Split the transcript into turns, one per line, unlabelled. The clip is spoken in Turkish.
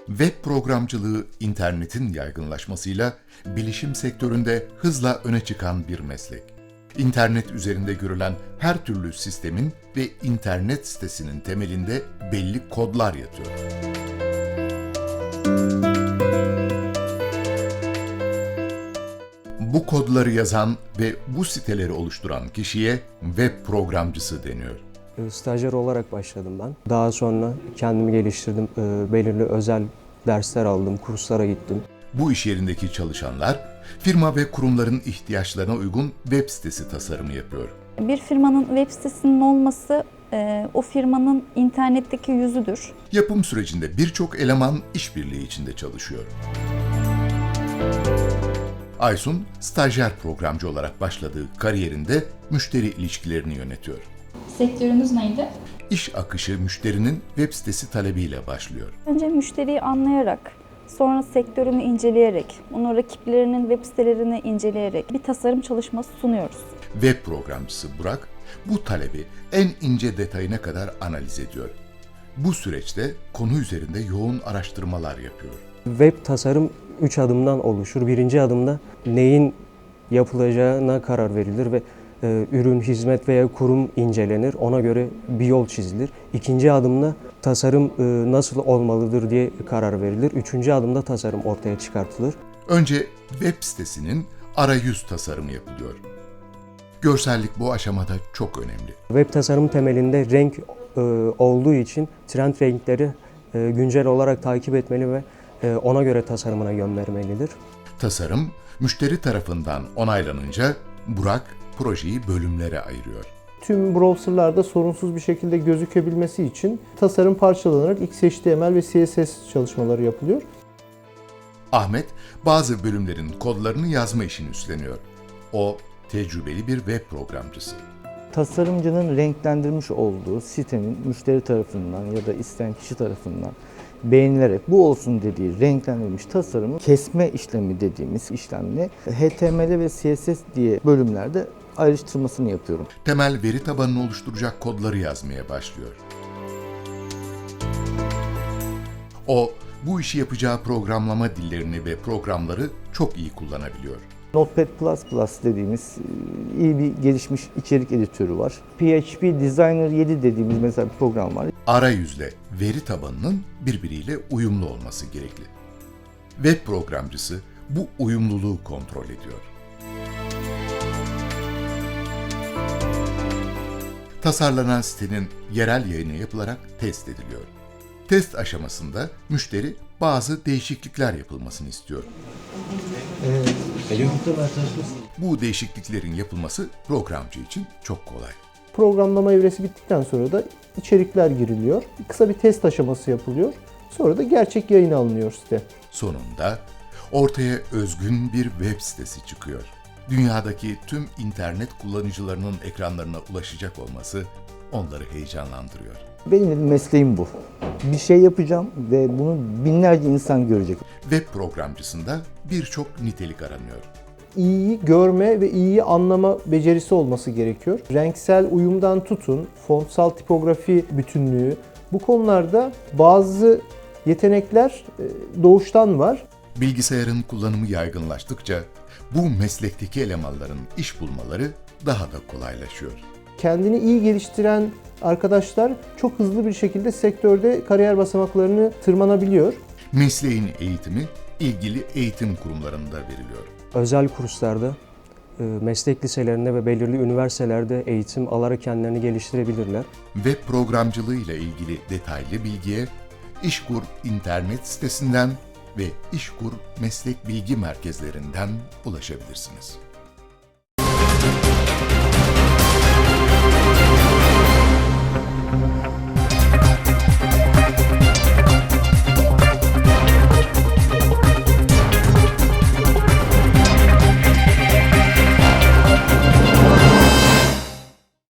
Web programcılığı internetin yaygınlaşmasıyla bilişim sektöründe hızla öne çıkan bir meslek. İnternet üzerinde görülen her türlü sistemin ve internet sitesinin temelinde belli kodlar yatıyor. Bu kodları yazan ve bu siteleri oluşturan kişiye web programcısı deniyor.
Stajyer olarak başladım ben. Daha sonra kendimi geliştirdim. Belirli özel dersler aldım, kurslara gittim.
Bu iş yerindeki çalışanlar, firma ve kurumların ihtiyaçlarına uygun web sitesi tasarımı yapıyor.
Bir firmanın web sitesinin olması o firmanın internetteki yüzüdür.
Yapım sürecinde birçok eleman işbirliği içinde çalışıyor. Aysun, stajyer programcı olarak başladığı kariyerinde müşteri ilişkilerini yönetiyor.
Sektörünüz neydi?
İş akışı müşterinin web sitesi talebiyle başlıyor.
Önce müşteriyi anlayarak, sonra sektörünü inceleyerek, onun rakiplerinin web sitelerini inceleyerek bir tasarım çalışması sunuyoruz.
Web programcısı Burak, bu talebi en ince detayına kadar analiz ediyor. Bu süreçte konu üzerinde yoğun araştırmalar yapıyor.
Web tasarım 3 adımdan oluşur. Birinci adımda neyin yapılacağına karar verilir ve ürün, hizmet veya kurum incelenir. Ona göre bir yol çizilir. İkinci adımda tasarım nasıl olmalıdır diye karar verilir. Üçüncü adımda tasarım ortaya çıkartılır.
Önce web sitesinin arayüz tasarımı yapılıyor. Görsellik bu aşamada çok önemli.
Web tasarım temelinde renk olduğu için trend renkleri güncel olarak takip etmeli ve ona göre tasarımına yön vermelidir.
Tasarım, müşteri tarafından onaylanınca Burak projeyi bölümlere ayırıyor.
Tüm browserlarda sorunsuz bir şekilde gözükebilmesi için tasarım parçalanarak XHTML ve CSS çalışmaları yapılıyor.
Ahmet, bazı bölümlerin kodlarını yazma işini üstleniyor. O, tecrübeli bir web programcısı.
Tasarımcının renklendirmiş olduğu sitenin müşteri tarafından ya da isteyen kişi tarafından beğenilerek bu olsun dediği renklendirilmiş tasarımı kesme işlemi dediğimiz işlemle HTML ve CSS diye bölümlerde ayrıştırmasını yapıyorum.
Temel veri tabanını oluşturacak kodları yazmaya başlıyor. O, bu işi yapacağı programlama dillerini ve programları çok iyi kullanabiliyor.
Notepad++ dediğimiz iyi bir gelişmiş içerik editörü var. PHP Designer 7 dediğimiz mesela bir program var.
Arayüzle veri tabanının birbiriyle uyumlu olması gerekli. Web programcısı bu uyumluluğu kontrol ediyor. Tasarlanan sitenin yerel yayını yapılarak test ediliyor. Test aşamasında müşteri bazı değişiklikler yapılmasını istiyor. Bu değişikliklerin yapılması programcı için çok kolay.
Programlama evresi bittikten sonra da içerikler giriliyor. Kısa bir test aşaması yapılıyor. Sonra da gerçek yayına alınıyor site.
Sonunda ortaya özgün bir web sitesi çıkıyor. Dünyadaki tüm internet kullanıcılarının ekranlarına ulaşacak olması onları heyecanlandırıyor.
Benim mesleğim bu. Bir şey yapacağım ve bunu binlerce insan görecek.
Web programcısında birçok nitelik aranıyor.
İyiyi görme ve iyiyi anlama becerisi olması gerekiyor. Renksel uyumdan tutun, fontsal tipografi bütünlüğü, bu konularda bazı yetenekler doğuştan var.
Bilgisayarın kullanımı yaygınlaştıkça bu meslekteki elemanların iş bulmaları daha da kolaylaşıyor.
Kendini iyi geliştiren arkadaşlar çok hızlı bir şekilde sektörde kariyer basamaklarını tırmanabiliyor.
Mesleğin eğitimi ilgili eğitim kurumlarında veriliyor.
Özel kurslarda, meslek liselerinde ve belirli üniversitelerde eğitim alarak kendilerini geliştirebilirler.
Web programcılığı ile ilgili detaylı bilgiye İşkur internet sitesinden ve İşkur meslek bilgi merkezlerinden ulaşabilirsiniz.